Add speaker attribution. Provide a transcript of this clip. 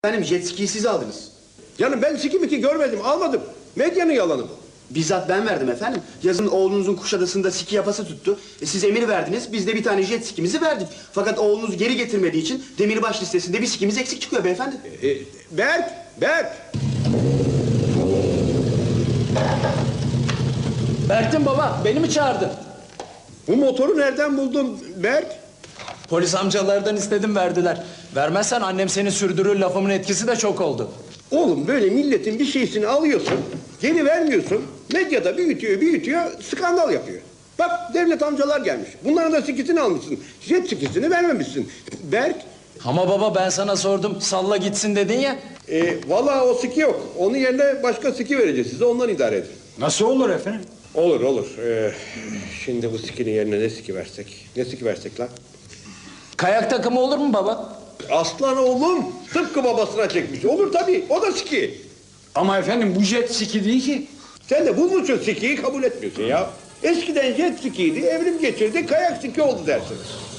Speaker 1: Efendim jet ski'yi siz aldınız.
Speaker 2: Canım ben siki görmedim, almadım. Medyanın yalanı bu.
Speaker 1: Bizzat ben verdim efendim. Yazın oğlunuzun Kuşadası'nda ski yapası tuttu. Siz emir verdiniz, biz de bir tane jet skimizi verdik. Fakat oğlunuz geri getirmediği için demirbaş listesinde bir skimiz eksik çıkıyor beyefendi.
Speaker 2: Berk!
Speaker 3: Berk'tim baba, beni mi çağırdın?
Speaker 2: Bu motoru nereden buldun Berk?
Speaker 3: Polis amcalardan istedim, verdiler. Vermezsen annem seni sürdürür, lafımın etkisi de çok oldu.
Speaker 2: Oğlum böyle milletin bir şeysini alıyorsun, geri vermiyorsun. Medyada büyütüyor, skandal yapıyor. Bak devlet amcalar gelmiş. Bunların da sikisini almışsın. Jet sikisini vermemişsin. Berk,
Speaker 3: Ama baba ben sana sordum, salla gitsin dedin ya.
Speaker 2: vallahi o siki yok. Onun yerine başka siki vereceğiz size, ondan idare edin.
Speaker 4: Nasıl olur efendim?
Speaker 2: Olur. Şimdi bu sikinin yerine ne siki versek? Ne siki versek lan?
Speaker 3: Kayak takımı olur mu baba?
Speaker 2: Aslan oğlum tıpkı babasına çekmiş. Olur tabii, o da siki.
Speaker 4: Ama efendim bu jet ski değil ki.
Speaker 2: Sen de bulmuşsun sikiyi, kabul etmiyorsun ya. Eskiden jet skiydi, evrim geçirdi, kayak siki oldu dersiniz.